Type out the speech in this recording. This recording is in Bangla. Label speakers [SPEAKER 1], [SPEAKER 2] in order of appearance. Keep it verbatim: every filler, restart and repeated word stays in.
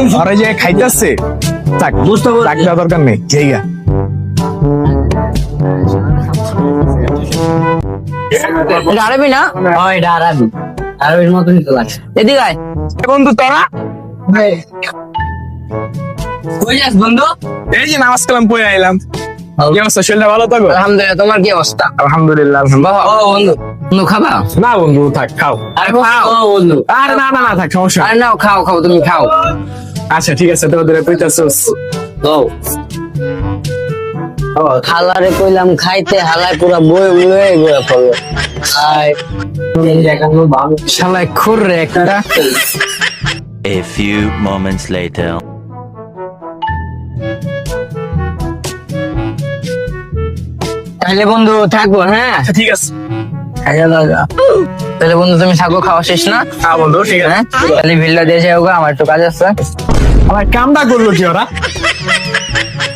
[SPEAKER 1] আরে যে খাইতেছে থাক
[SPEAKER 2] বুঝতে পারছি।
[SPEAKER 1] ডাক দেওয়ার দরকার নেই জায়গা
[SPEAKER 3] এটা আরবি না?
[SPEAKER 2] ও এটা আরবি আরবির মতনই তো লাগছে।
[SPEAKER 3] এদিকে আয়।
[SPEAKER 1] বন্ধু তোরা
[SPEAKER 2] কই যাস বন্ধু?
[SPEAKER 1] এই যে নামাজ কালাম পড়ে আইলাম কি অবস্থা শরীরটা ভালো থাকো
[SPEAKER 3] আলহামদুলিল্লাহ, তোমার কি অবস্থা?
[SPEAKER 1] আলহামদুলিল্লাহ আলহামদুলিল্লাহ।
[SPEAKER 3] ও বন্ধু, বন্ধু খাবা?
[SPEAKER 1] না বন্ধু থাক খাও
[SPEAKER 2] আরে
[SPEAKER 3] খাও।
[SPEAKER 2] ও বন্ধু
[SPEAKER 1] আরে না না না থাক সমস্যা নেই।
[SPEAKER 3] আরে নাও, খাও খাও, তুমি খাও।
[SPEAKER 1] আচ্ছা ঠিক আছে তোদের কইতাছস
[SPEAKER 2] ও
[SPEAKER 3] হালারে কইলাম খাইতে, হালায় পুরা বই বই বই ফেললো।
[SPEAKER 2] আই এই দেখানো ভালো।
[SPEAKER 3] শালায় খুর রে একটা।
[SPEAKER 4] A few moments later.
[SPEAKER 3] তাহলে বন্ধু থাকবো, হ্যাঁ?
[SPEAKER 1] ঠিক আছে
[SPEAKER 3] খাইয়া দাও যা। তাহলে বন্ধু তুমি থাকো, খাওয়া শেষ না?
[SPEAKER 1] হ্যাঁ বন্ধু ঠিক আছে
[SPEAKER 3] হ্যাঁ, তাহলে ভিড়টা দিয়ে যাও গা, আমার একটু কাজ আছে।
[SPEAKER 1] আমার কামটা করলো কি ওরা